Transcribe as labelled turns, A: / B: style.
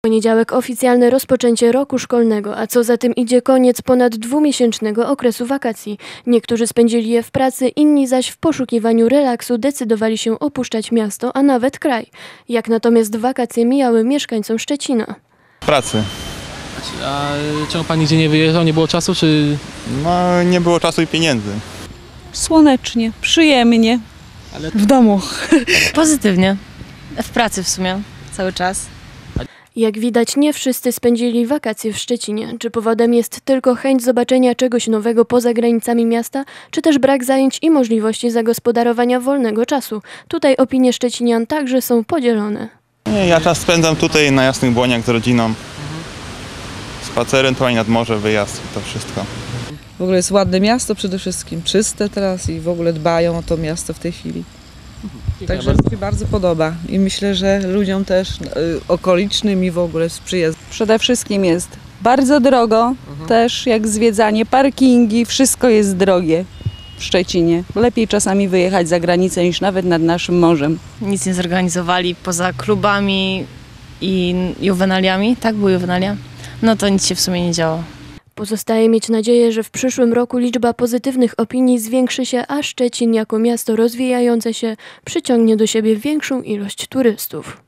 A: Poniedziałek oficjalne rozpoczęcie roku szkolnego, a co za tym idzie koniec ponad dwumiesięcznego okresu wakacji. Niektórzy spędzili je w pracy, inni zaś w poszukiwaniu relaksu decydowali się opuszczać miasto, a nawet kraj. Jak natomiast wakacje mijały mieszkańcom Szczecina?
B: Pracy.
C: A czemu pan nigdzie nie wyjeżdżał? Nie było czasu, czy...
B: No, nie było czasu i pieniędzy.
D: Słonecznie, przyjemnie. W domu.
E: Pozytywnie. W pracy w sumie cały czas.
A: Jak widać, nie wszyscy spędzili wakacje w Szczecinie. Czy powodem jest tylko chęć zobaczenia czegoś nowego poza granicami miasta, czy też brak zajęć i możliwości zagospodarowania wolnego czasu? Tutaj opinie szczecinian także są podzielone.
B: Nie, ja czas spędzam tutaj na Jasnych Błoniach z rodziną. Spacer, ewentualnie nad morze, wyjazd i to wszystko.
D: W ogóle jest ładne miasto przede wszystkim, czyste teraz i w ogóle dbają o to miasto w tej chwili. Także mi się bardzo podoba i myślę, że ludziom też okolicznym i w ogóle sprzyja.
F: Przede wszystkim jest bardzo drogo, też jak zwiedzanie, parkingi, wszystko jest drogie w Szczecinie. Lepiej czasami wyjechać za granicę niż nawet nad naszym morzem.
E: Nic nie zorganizowali poza klubami i juwenaliami. Tak, były juwenalia? No to nic się w sumie nie działo.
A: Pozostaje mieć nadzieję, że w przyszłym roku liczba pozytywnych opinii zwiększy się, a Szczecin jako miasto rozwijające się przyciągnie do siebie większą ilość turystów.